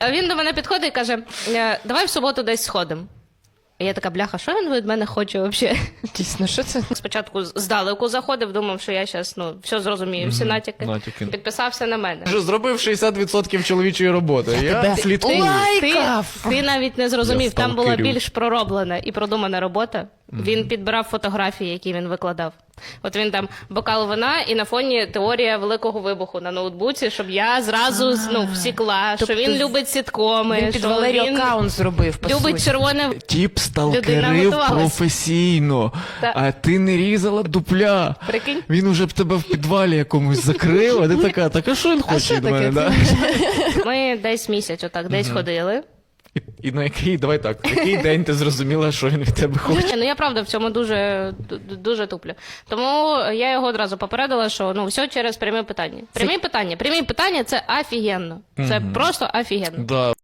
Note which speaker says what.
Speaker 1: А він до мене підходить і каже, давай в суботу десь сходимо. І я така, бляха, що він від мене хоче взагалі?
Speaker 2: Дійсно, що це?
Speaker 1: Спочатку здалеку заходив, думав, що я зараз все зрозумію, всі натяки. Підписався на мене.
Speaker 3: Вже зробив 60% чоловічої роботи. Я слідкую.
Speaker 1: Ти навіть не зрозумів, там була
Speaker 3: сталкерю.
Speaker 1: більш пророблена і продумана робота. Він підбирав фотографії, які він викладав. От він там бокал вина і на фоні теорія Великого вибуху на ноутбуці, щоб я зразу всікла, що він любить сіткоми,
Speaker 2: Він під
Speaker 1: що
Speaker 2: Валерію
Speaker 1: він
Speaker 2: аккаунт зробив, по
Speaker 1: любить
Speaker 2: суті.
Speaker 1: червоне.
Speaker 3: Тіп
Speaker 1: Людина
Speaker 3: сталкерив
Speaker 1: готувалась.
Speaker 3: професійно,
Speaker 1: Та.
Speaker 3: а ти не різала дупля.
Speaker 1: Прикинь.
Speaker 3: Він уже б тебе в підвалі якомусь закрив, а ти така, так а що він хоче від мене? Да?
Speaker 1: Ми десь місяць отак десь ходили.
Speaker 3: І на який, давай так, в який день ти зрозуміла, що він від тебе хоче?
Speaker 1: Ну я правда в цьому дуже туплю. Тому я його одразу попередила, що все через прямі питання. Прямі питання – це офігенно. Це просто офігенно.
Speaker 3: Да.